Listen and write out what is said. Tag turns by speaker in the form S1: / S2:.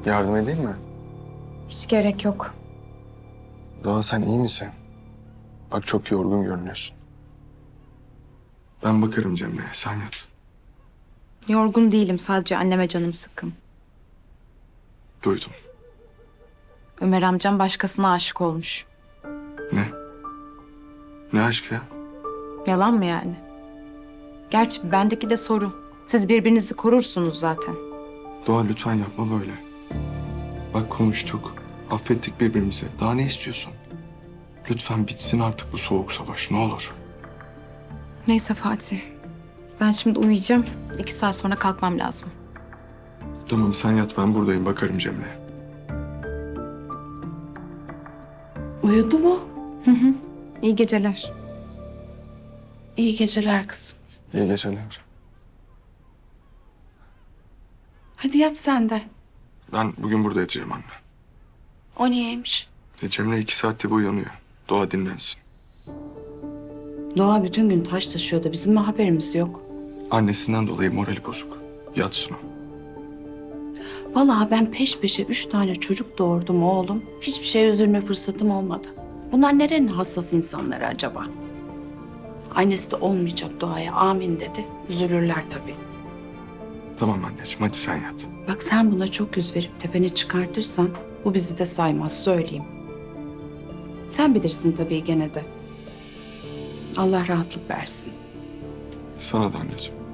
S1: Yardım edeyim mi?
S2: Hiç gerek yok.
S1: Doğa sen iyi misin? Bak çok yorgun görünüyorsun. Ben bakarım Cemre'ye, sen yat.
S2: Yorgun değilim, sadece anneme canım sıkkın.
S1: Duydum.
S2: Ömer amcam başkasına aşık olmuş.
S1: Ne? Ne aşkı ya?
S2: Yalan mı yani? Gerçi bendeki de soru. Siz birbirinizi korursunuz zaten.
S1: Doğa lütfen yapma böyle. Bak konuştuk, affettik birbirimizi. Daha ne istiyorsun? Lütfen bitsin artık bu soğuk savaş, ne olur.
S2: Neyse Fatih. Ben şimdi uyuyacağım. 2 saat sonra kalkmam lazım.
S1: Tamam sen yat, ben buradayım, bakarım Cemre'ye.
S3: Uyudu mu?
S2: İyi geceler.
S3: İyi geceler kızım.
S1: İyi geceler.
S3: Hadi yat sen de.
S1: Ben bugün burada yatacağım anne.
S3: O niyeymiş?
S1: Cemre 2 saatte bu uyanıyor. Doğa dinlensin.
S3: Doğa bütün gün taş taşıyor da bizim mi haberimiz yok?
S1: Annesinden dolayı morali bozuk. Yatsın o.
S3: Vallahi ben peş peşe 3 tane çocuk doğurdum oğlum. Hiçbir şeye üzülme fırsatım olmadı. Bunlar nerenin hassas insanları acaba? Annesi de olmayacak Doğa'ya amin dedi. Üzülürler tabii.
S1: Tamam anneciğim, hadi sen yat.
S3: Bak sen buna çok yüz verip tepeni çıkartırsan bu bizi de saymaz söyleyeyim. Sen bilirsin tabii gene de. Allah rahatlık versin.
S1: Sana da anneciğim.